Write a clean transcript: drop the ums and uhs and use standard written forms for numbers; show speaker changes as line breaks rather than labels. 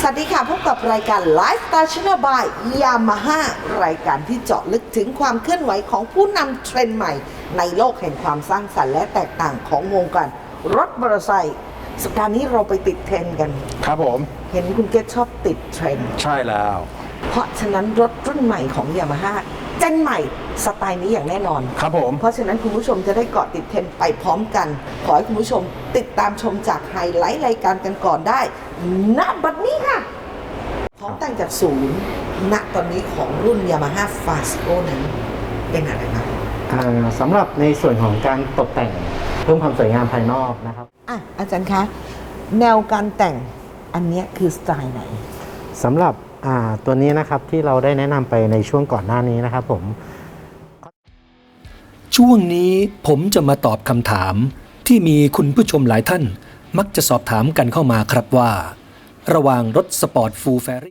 สวัสดีค่ะพบกับรายการ Lifestyle Channel by Yamaha รายการที่เจาะลึกถึงความเคลื่อนไหวของผู้นำเทรนด์ใหม่ในโลกแห่งความสร้างสรรค์และแตกต่างของวงการรถมอเตอร์ไซค์สัปดาห์นี้เราไปติดเทรนด์กัน
ครับผม
เห็นคุณเกศชอบติดเทรนด์
ใช่แล้ว
เพราะฉะนั้นรถรุ่นใหม่ของ Yamaha เจนใหม่สไตล์นี้อย่างแน่นอน
ครับผม
เพราะฉะนั้นคุณผู้ชมจะได้เกาะติดเทรนด์ไปพร้อมกันขอให้คุณผู้ชมติดตามชมจากไฮไลท์รายการกันก่อนได้ณบัดนี้ค่ะของแต่งจากศูนย์ณตอนนี้ของรุ่น Yamaha Fasco นั้นเป็นอะไรบ้าง
สำหรับในส่วนของการตกแต่งเพิ่มความสวยงามภายนอกนะครับ
อาจารย์คะแนวการแต่งอันนี้คือสไตล์ไหน
สำหรับตัวนี้นะครับที่เราได้แนะนำไปในช่วงก่อนหน้านี้นะครับผม
ช่วงนี้ผมจะมาตอบคำถามที่มีคุณผู้ชมหลายท่านมักจะสอบถามกันเข้ามาครับว่าระหว่างรถสปอร์ตฟูลแฟรี่